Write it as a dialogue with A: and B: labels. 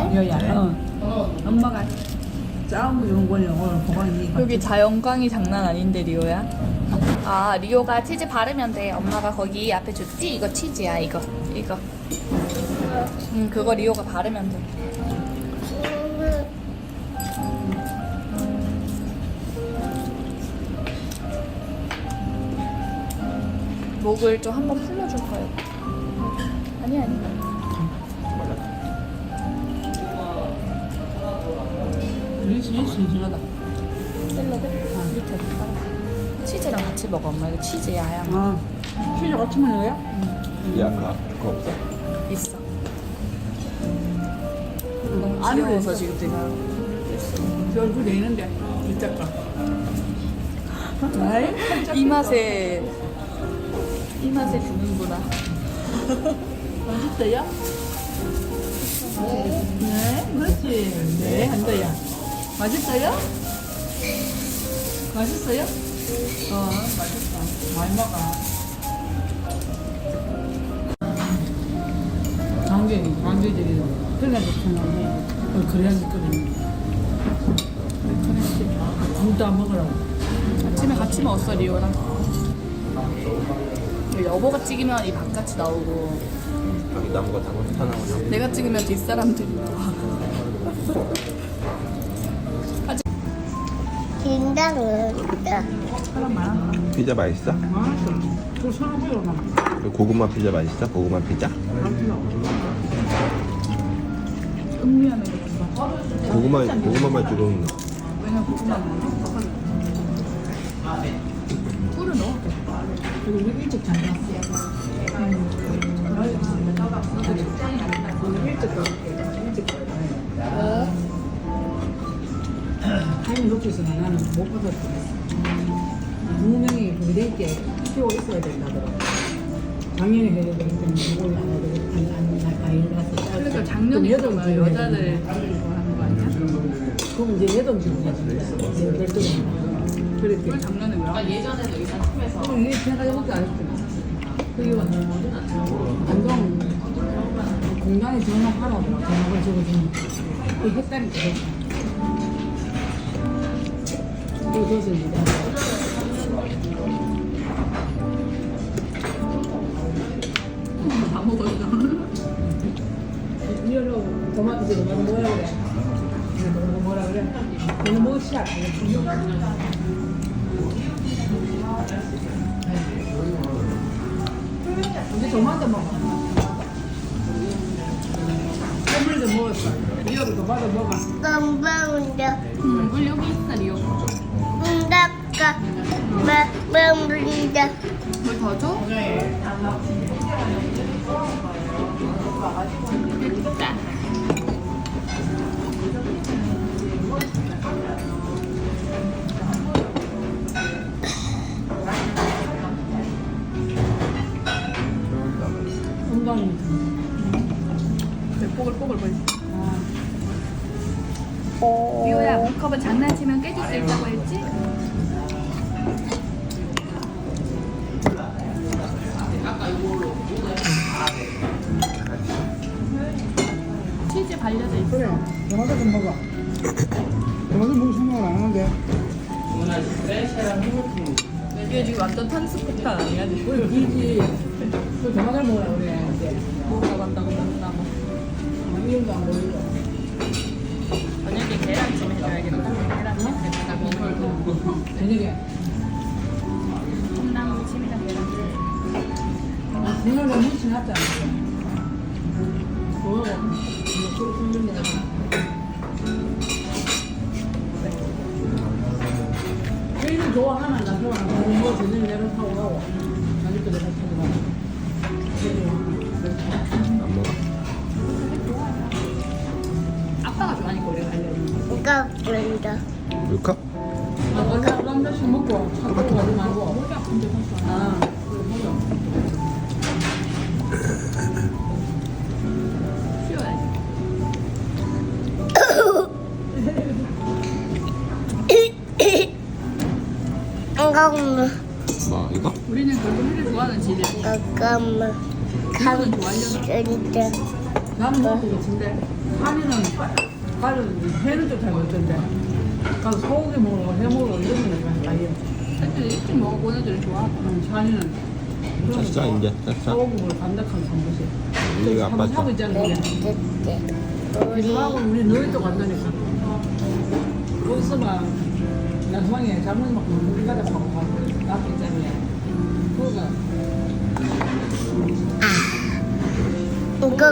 A: 여야. 엄마가 짜온 거 주는 거니 오늘 보관이.
B: 여기 자연광이 장난 아닌데 리오야. 아 리오가 치즈 바르면 돼. 엄마가 거기 앞에 줬지? 이거 치즈야 이거. 그거 리오가 바르면 돼. 목을 좀 한번 풀려줄까요? 아니.
A: 신신하다.
B: 샐러드? 밑에. 치즈랑 같이 먹어 엄마. 이거 치즈야 하얀 거.
A: 아, 치즈 같이 먹는 거야?
C: 야, 그거 없어?
B: 있어. 너무 귀여워서 지금 내가
A: 저 얼굴 내는데 진짜 까.
B: 이 맛에 주는구나.
A: 맛있어요? 네, 그렇지. 네, 한다야. 맛있어요? 맛있어요? 맛있어. 많이 먹어. 관계들이 그래야 좋잖아. 그래야지 끓이는. 그렇지. 아무도 안 먹으라고.
B: 아침에 같이 먹었어 리오랑. 여보가 찍으면 이 바깥이 나오고
C: 여기 나무가 다 나오냐?
B: 내가 찍으면 뒷사람들이
D: 긴장은
A: 사람 많아.
C: 피자 맛있어?
A: 맛있어. 그 사람 보여 나.
C: 고구마 피자 맛있어? 고구마 피자?
A: 음미하는 거 봐.
C: 고구마만 조금
A: 왜냐면 고구마는 꿀을 넣어. 그리고 우리 일찍 잠갔어. 오늘 일찍 가볼게. 일찍 가볼게. 타이밍 놓쳐서 나는 못 받았어. 분명히 의대 있게 키워 있어야 된다더라고. 작년에 해야 되기 때문에 이걸 안 해야 되고 안 가서.
B: 그러니까 작년에
A: 여덟
B: 여자들 하는 거 아니야?
A: 그럼 이제 8주 이제 8주 그렇게.
B: 작년에 왜? 예전에도 일단 팀에서
A: 그럼 이게 생각해볼게 안 했잖아. 그게 안동 공단에 전화하라고 전화를 적어주면 그 했다니까. 그래서 이제
B: 다 먹었어.
A: 이러고 도마토 뭐라 그래? 뭐라 그래? 너는 뭐 시작? 이제 도마토 먹어. 햄물도 먹었어. 이러고 도마토 먹어.
D: 건방운다
B: 물 여기 있어 리오.
D: 운다까 막방운다
B: 물 더 줘? 됐다.
A: 건강이.
B: 뽀글뽀글 보이지? 리오야 컵은 장난치면 깨질 수 있다고 했지? 치즈 발려져 있어.
A: 그래. 도마토 좀 먹어. 도마토 먹을 생각을 안 하는데.
B: 이게 지금 완전 탄수폭탄 아니야 지금?
A: 우리 길지. 그 도마토를 먹으라 그래. 이제.
B: 먹으러 간다고 먹나 뭐.
A: 이름도 안 보이고.
B: 저녁에 계란찜 해줘야겠다. 계란찜 내가 먹을
A: 저녁에.
B: 콩나무찜이랑 계란찜.
A: 오늘 너무 지났잖아. 뭐하고? 이거 꿀꿀 제일 좋아하는 나 좋아하는 거 저녁에 내려 타고 가고. 저녁에 내려 타고 가고.
C: 안 먹어?
B: 아빠가 좋아하니까 우리가 알려주는
D: 이거 본다
C: 물컵?
A: 한 잔씩 먹고 차 타고 가지 말고. 아,
B: 쉬어야지.
D: 잠깐만
C: 뭐 이거?
B: 우리는 결국 회를 좋아하는 집이야.
D: 잠깐만
B: 이거는 좋아하려나?
D: 감사합니다
A: 나는 먹을 것 같은데 한이는 가는 회는 좀 잘 먹던데 가서 소고기 먹으러 회 먹으러 이런 거는 아예
B: 애들 일찍 먹어본 애들이 좋아.
A: 한이는
C: 짰어 이제 짰어.
A: 소고기 먹으러 간dak한 삼보씩
C: 우리 아빠
A: 한번 하고 있잖아 그게 그거하고 우리 너희도 간다니까 거기서만 나중에 잘못 먹고 우리 가자 하고 가고 앞에 있잖아 그거가
D: 이거